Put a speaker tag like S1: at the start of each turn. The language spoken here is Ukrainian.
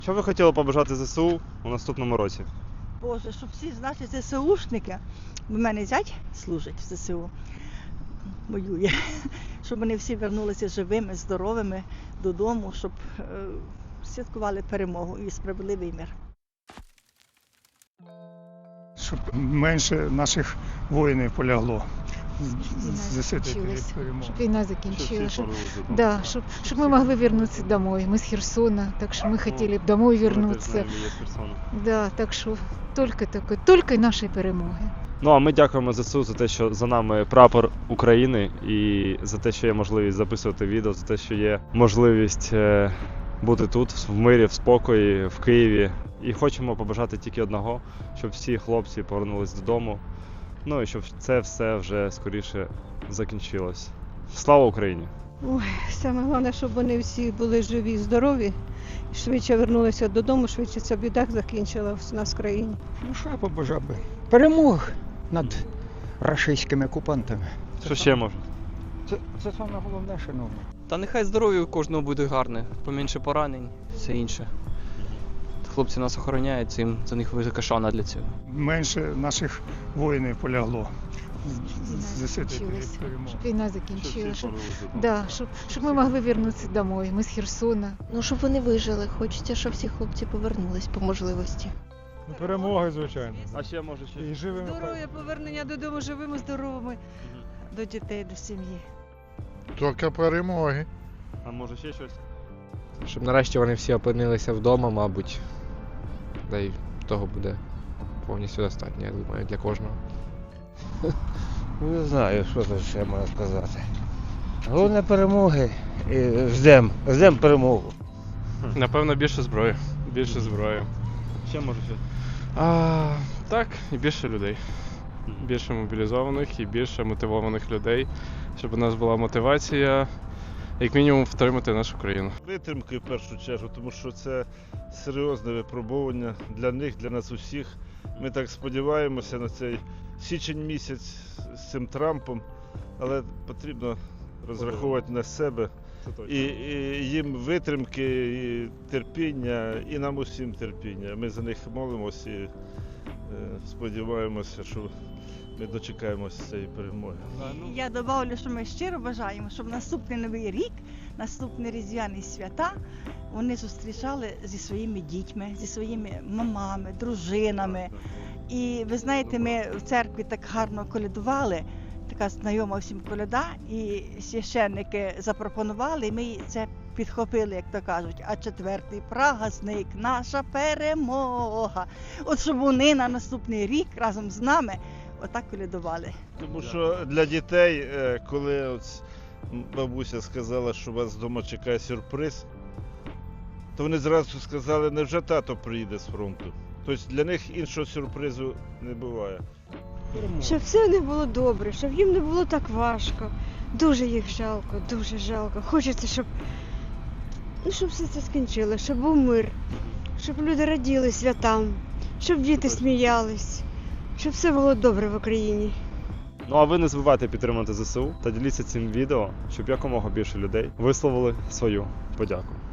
S1: Що ви хотіли побажати ЗСУ у наступному році?
S2: Боже, щоб всі наші ЗСУшники, в мене зять служить в ЗСУ, воює, щоб вони всі вернулися живими, здоровими додому, щоб святкували перемогу і справедливий мир.
S3: Щоб менше наших воїнів полягло.
S4: Щоб війна закінчилась, щоб мы могли вернуться домой. Мы с Херсона, так что мы хотели б домой вернуться. Да, так що тільки нашої перемоги.
S1: Ну а ми дякуємо ЗСУ за те, що за нами прапор України, і за те, що є можливість записувати відео, за те, що є можливість бути тут, в мирі, в спокої, в Києві. І хочемо побажати тільки одного, щоб всі хлопці повернулись додому. Ну і щоб це все вже скоріше закінчилось. Слава Україні!
S5: Ой, саме головне, щоб вони всі були живі і здорові, швидше вернулися додому, швидше ця біда закінчилась у нас в країні.
S6: Ну що я побажав би? Перемог над рашистськими окупантами.
S1: Що ще може?
S6: Це саме головне, шановні.
S7: Та нехай здоров'я у кожного буде гарне, поменше поранень, все інше. Хлопці нас охороняють, цим за них велика шана для цього.
S3: Менше наших воїнів полягло.
S4: Щоб війна закінчилась, щоб ми могли вернуться домой. Ми з Херсона.
S8: Ну, щоб вони вижили. Хочеться, щоб всі хлопці повернулись по можливості.
S3: Перемоги, звичайно.
S1: А ще може ще?
S3: І живими.
S2: Здоров'я, повернення додому живими, здоровими, до дітей, до сім'ї.
S9: Тільки перемоги.
S1: А може ще щось?
S10: Щоб нарешті вони всі опинилися вдома, мабуть. Да й того буде повністю достатньо, я думаю, для кожного.
S11: Не знаю, що тут ще можна сказати. Головне перемоги і ждемо перемогу.
S12: Напевно, більше зброї. Більше зброї.
S1: Ще може ще?
S12: Так, і більше людей. Більше мобілізованих і більше мотивованих людей, щоб у нас була мотивація, як мінімум, втримати нашу країну.
S9: Витримки в першу чергу, тому що це серйозне випробування для них, для нас усіх. Ми так сподіваємося на цей січень місяць з цим Трампом, але потрібно розраховувати на себе. І їм витримки, і терпіння, і нам усім терпіння. Ми за них молимося і сподіваємося, що ми дочекаємося цієї перемоги.
S2: Я добавлю, що ми щиро бажаємо, щоб наступний Новий рік, наступні різдвяні свята вони зустрічали зі своїми дітьми, зі своїми мамами, дружинами. І ви знаєте, ми в церкві так гарно колядували, така знайома всім коляда, і священники запропонували, і ми це підхопили, як то кажуть, а четвертий праздник – наша перемога. От щоб вони на наступний рік разом з нами отак колядували.
S9: Тому що для дітей, коли от бабуся сказала, що вас вдома чекає сюрприз, то вони зразу сказали, невже тато приїде з фронту. Тобто для них іншого сюрпризу не буває.
S5: Щоб все не було добре, щоб їм не було так важко. Дуже їх жалко, дуже жалко. Хочеться, щоб все це скінчилося, щоб був мир, щоб люди раділи святам, щоб діти сміялись, щоб все було добре в Україні.
S1: Ну а ви не забувайте підтримати ЗСУ та діліться цим відео, щоб якомога більше людей висловили свою подяку.